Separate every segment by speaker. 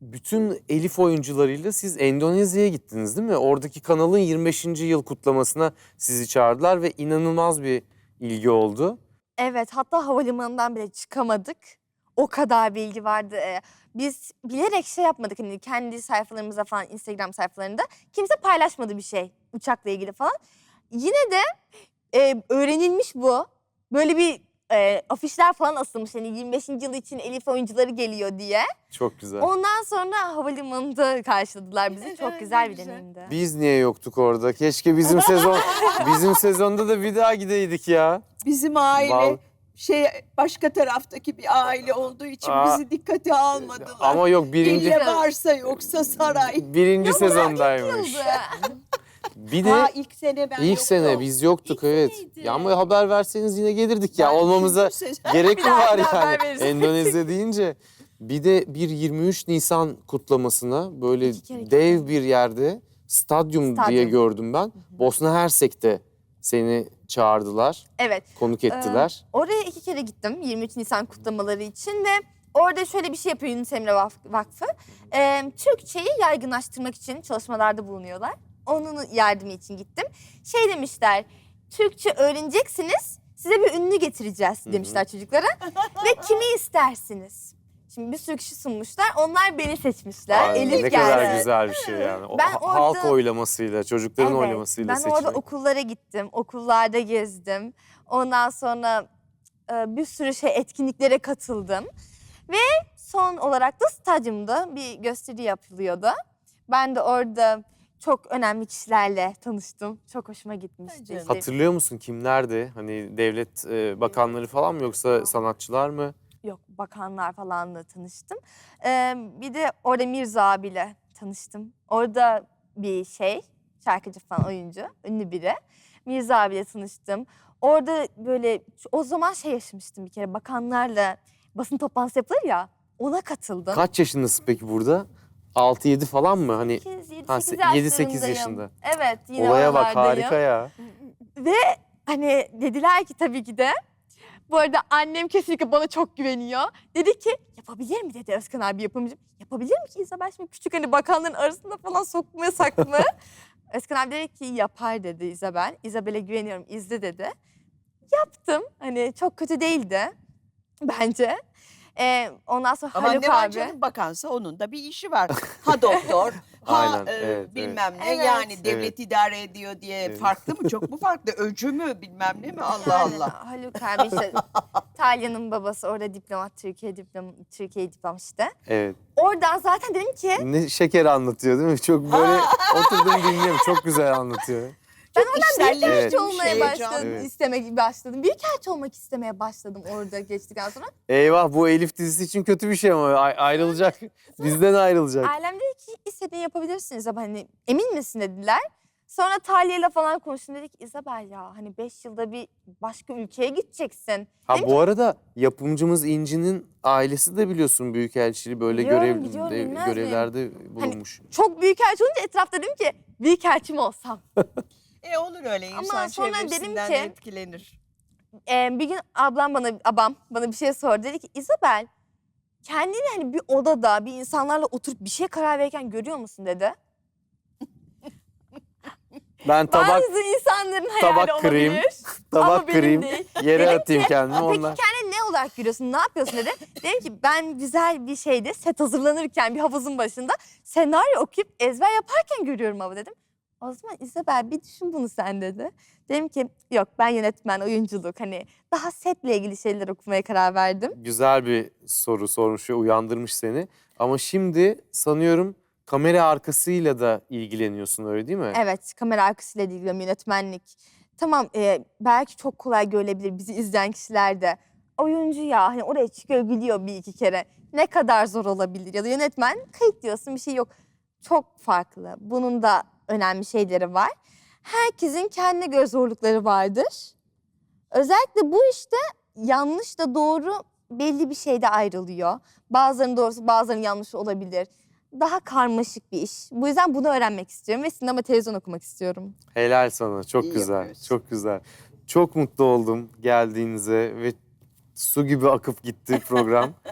Speaker 1: bütün Elif oyuncularıyla siz Endonezya'ya gittiniz değil mi? Oradaki kanalın 25. yıl kutlamasına sizi çağırdılar ve inanılmaz bir ilgi oldu.
Speaker 2: Evet, hatta havalimanından bile çıkamadık. O kadar bilgi vardı. Biz bilerek şey yapmadık, hani kendi sayfalarımızda falan, Instagram sayfalarında kimse paylaşmadı bir şey uçakla ilgili falan. Yine de öğrenilmiş bu. Böyle bir afişler falan asılmış, hani 25. yıl için Elif oyuncuları geliyor diye.
Speaker 1: Çok güzel.
Speaker 2: Ondan sonra havalimanında karşıladılar bizi. Çok güzel bir deneyimdi.
Speaker 1: Biz niye yoktuk orada? Keşke bizim sezonda da bir daha gideydik ya.
Speaker 3: Bizim aile
Speaker 1: Val-
Speaker 3: başka taraftaki bir aile olduğu için bizi dikkate almadılar.
Speaker 1: Ama yok
Speaker 3: İlle varsa yoksa saray.
Speaker 1: birinci sezondaymış. Bir de
Speaker 3: ilk sene ben
Speaker 1: ilk
Speaker 3: yoktum.
Speaker 1: sene biz yoktuk,
Speaker 3: İlk
Speaker 1: evet.
Speaker 3: seneydi.
Speaker 1: Ya ama haber verseniz yine gelirdik ya.
Speaker 3: Ben
Speaker 1: Olmamıza
Speaker 3: üçüncü sezon-
Speaker 1: gerek mi var
Speaker 2: haber
Speaker 1: yani?
Speaker 2: veririz.
Speaker 1: Endonezya deyince. Bir de bir 23 Nisan kutlamasına böyle
Speaker 2: İki kere
Speaker 1: dev bir yerde stadyum diye
Speaker 2: Stadyum.
Speaker 1: gördüm ben. Bosna Hersek'te seni çağırdılar,
Speaker 2: Evet.
Speaker 1: konuk ettiler.
Speaker 2: Oraya 2 kere gittim 23 Nisan kutlamaları için ve orada şöyle bir şey yapıyor Yunus Emre Vakfı. Türkçeyi yaygınlaştırmak için çalışmalarda bulunuyorlar. Onun yardımı için gittim. Şey demişler, Türkçe öğreneceksiniz, size bir ünlü getireceğiz demişler çocuklara. Ve kimi istersiniz? Şimdi bir sürü kişi sunmuşlar, onlar beni seçmişler.
Speaker 1: Ay,
Speaker 2: Elif
Speaker 1: ne
Speaker 2: geldi.
Speaker 1: kadar güzel bir şey yani. O
Speaker 2: Ben
Speaker 1: halk
Speaker 2: orada-
Speaker 1: oylamasıyla, çocukların
Speaker 2: Evet,
Speaker 1: oylamasıyla
Speaker 2: ben
Speaker 1: seçilmek.
Speaker 2: orada okullara gittim, okullarda gezdim. Ondan sonra bir sürü etkinliklere katıldım. Ve son olarak da stadyumda bir gösteri yapılıyordu. Ben de orada çok önemli kişilerle tanıştım. Çok hoşuma gitmişti.
Speaker 3: Bence.
Speaker 2: İşte,
Speaker 1: Hatırlıyor musun kimlerdi? Hani devlet bakanları falan mı yoksa sanatçılar mı?
Speaker 2: yok, bakanlar falanla tanıştım. Bir de orada Mirza abiyle tanıştım. Orada bir şarkıcı falan, oyuncu, ünlü biri. Mirza abiyle tanıştım. Orada böyle o zaman yaşamıştım bir kere, bakanlarla basın toplantısı yapılır ya, ona katıldım.
Speaker 1: Kaç yaşındasın peki burada? 6-7 falan mı? Hani
Speaker 2: 7-8
Speaker 1: yaşında.
Speaker 2: Evet, yine
Speaker 1: Olaya bak,
Speaker 2: oralardayım.
Speaker 1: harika ya.
Speaker 2: Ve hani dediler ki, tabii ki de. Bu arada annem kesinlikle bana çok güveniyor. Dedi ki, yapabilir mi dedi Özkan abi, yapımcım. Yapabilir mi ki İzabel, şimdi küçük, hani bakanların arasında falan sokmayasak mı? Özkan abi dedi ki yapar dedi İzabel. İzabel'e güveniyorum, izle dedi. Yaptım, hani çok kötü değildi bence. Ondan sonra
Speaker 3: Ama
Speaker 2: Haluk
Speaker 3: ne var
Speaker 2: abi.
Speaker 3: canım, bakansa onun da bir işi var. Ha doktor, ha
Speaker 1: Aynen, evet,
Speaker 3: bilmem ne.
Speaker 2: evet.
Speaker 3: Yani devlet idare ediyor diye
Speaker 1: Evet.
Speaker 3: farklı mı? Çok mu farklı? Öcü mü bilmem ne mi? Allah
Speaker 2: Aynen,
Speaker 3: Allah.
Speaker 2: Haluk abi işte Talya'nın babası orada diplomat, Türkiye diplom işte.
Speaker 1: Evet.
Speaker 2: Oradan zaten dedim ki
Speaker 1: Ne şeker anlatıyor değil mi? Çok böyle oturdum dinliyorum. Çok güzel anlatıyor.
Speaker 2: ben oradan
Speaker 3: İçselleştirmiş,
Speaker 2: büyükelçi olmaya
Speaker 3: heyecan.
Speaker 2: başladım,
Speaker 1: Evet.
Speaker 2: istemeye başladım. Büyükelçi olmak istemeye başladım orada geçtikten sonra.
Speaker 1: Eyvah, bu Elif dizisi için kötü bir şey ama ayrılacak. Bizden ayrılacak.
Speaker 2: Ailem dedi ki istediğini yapabilirsiniz ama hani emin misin dediler. Sonra Talya'yla falan konuştum, dedik İzabel ya hani 5 yılda bir başka ülkeye gideceksin.
Speaker 1: Ha
Speaker 2: Dedim
Speaker 1: bu arada yapımcımız İnci'nin ailesi de biliyorsun büyükelçiliği böyle
Speaker 2: Biliyorum, biliyorum, bilmez miyim?
Speaker 1: görevlerde bulunmuş.
Speaker 2: çok büyükelçi olunca etrafta dedim ki büyükelçi mi olsam?
Speaker 3: Olur öyle, insan
Speaker 2: sonra dedim
Speaker 3: çevresinden
Speaker 2: ki-
Speaker 3: etkilenir.
Speaker 2: Bir gün abam bana bir şey sordu. Dedi ki İzabel, kendini hani bir odada bir insanlarla oturup bir şeye karar verirken görüyor musun dedi.
Speaker 1: Ben
Speaker 2: Bazı insanların hayali
Speaker 1: tabak kırayım,
Speaker 2: olabilir.
Speaker 1: tabak
Speaker 2: ama benim
Speaker 1: kırayım,
Speaker 2: değil.
Speaker 1: yere
Speaker 2: Dedim
Speaker 1: atayım kendimi
Speaker 2: Peki
Speaker 1: ondan.
Speaker 2: kendini ne olarak görüyorsun? Ne yapıyorsun dedi. Dedim ki ben güzel bir set hazırlanırken bir havuzun başında senaryo okuyup ezber yaparken görüyorum ama dedim. O zaman İzabel bir düşün bunu sen dedi. Dedim ki yok, ben yönetmen, oyunculuk, hani daha setle ilgili şeyler okumaya karar verdim.
Speaker 1: Güzel bir soru sormuş ve uyandırmış seni. Ama şimdi sanıyorum kamera arkasıyla da ilgileniyorsun, öyle değil mi?
Speaker 2: Evet, kamera arkasıyla ilgileniyorum, yönetmenlik. Tamam, belki çok kolay görülebilir bizi izleyen kişiler de. Oyuncu ya, hani oraya çıkıyor, gülüyor bir iki kere. Ne kadar zor olabilir? Ya da yönetmen, kayıt diyorsun, bir şey yok. Çok farklı. Bunun da önemli şeyleri var. Herkesin kendine göre zorlukları vardır. Özellikle bu işte yanlış da doğru belli bir şeyde ayrılıyor. Bazılarının doğrusu, bazılarının yanlışı olabilir. Daha karmaşık bir iş. Bu yüzden bunu öğrenmek istiyorum ve sinema, televizyon okumak istiyorum.
Speaker 1: Helal sana, çok
Speaker 3: İyi
Speaker 1: güzel,
Speaker 3: yapıyorsun.
Speaker 1: çok güzel. Çok mutlu oldum geldiğinize ve su gibi akıp gitti program.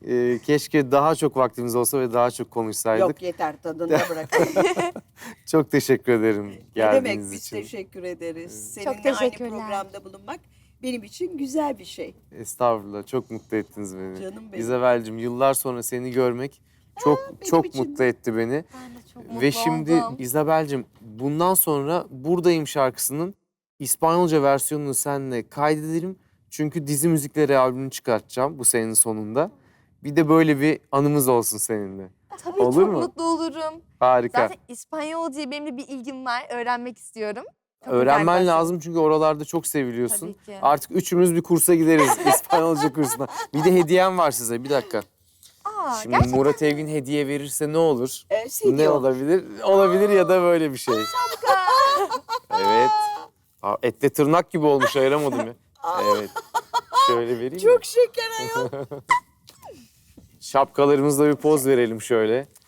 Speaker 1: Keşke daha çok vaktimiz olsa ve daha çok konuşsaydık.
Speaker 3: Yok yeter tadında bırakın.
Speaker 1: Çok teşekkür ederim
Speaker 3: Ne demek
Speaker 1: geldiğiniz
Speaker 3: biz
Speaker 1: için.
Speaker 3: teşekkür ederiz.
Speaker 2: Çok
Speaker 3: Seninle aynı
Speaker 2: teşekkürler.
Speaker 3: programda bulunmak benim için güzel bir şey.
Speaker 1: Estağfurullah. Çok mutlu ettiniz beni.
Speaker 3: Canım benim.
Speaker 1: İzabel'cim yıllar sonra seni görmek çok
Speaker 3: benim için
Speaker 1: mutlu etti beni.
Speaker 2: Ben de çok mutlu
Speaker 1: Ve şimdi
Speaker 2: oldum.
Speaker 1: İzabel'cim bundan sonra Buradayım şarkısının İspanyolca versiyonunu seninle kaydedelim. Çünkü dizi müzikleri albümünü çıkartacağım bu senenin sonunda. Bir de böyle bir anımız olsun seninle.
Speaker 2: Tabii
Speaker 1: Olur
Speaker 2: çok
Speaker 1: mu?
Speaker 2: mutlu olurum.
Speaker 1: Harika.
Speaker 2: Zaten İspanyolca'ya benim de bir ilgim var. Öğrenmek istiyorum. Çok
Speaker 1: Öğrenmen
Speaker 2: güzel bir
Speaker 1: lazım çünkü oralarda çok seviliyorsun.
Speaker 2: Tabii ki.
Speaker 1: Artık üçümüz bir kursa gideriz İspanyolca kursuna. Bir de hediyem var size. Bir dakika.
Speaker 2: Aa,
Speaker 1: Şimdi
Speaker 2: gerçekten
Speaker 1: Murat Evgin hediye verirse ne olur?
Speaker 3: CD
Speaker 1: Ne
Speaker 3: o.
Speaker 1: olabilir? Olabilir ya da böyle bir şey. Evet. Aa, etle tırnak gibi olmuş, ayıramadım ya. Evet. Şöyle vereyim mi?
Speaker 3: Çok şeker ayol.
Speaker 1: Şapkalarımızla bir poz verelim şöyle.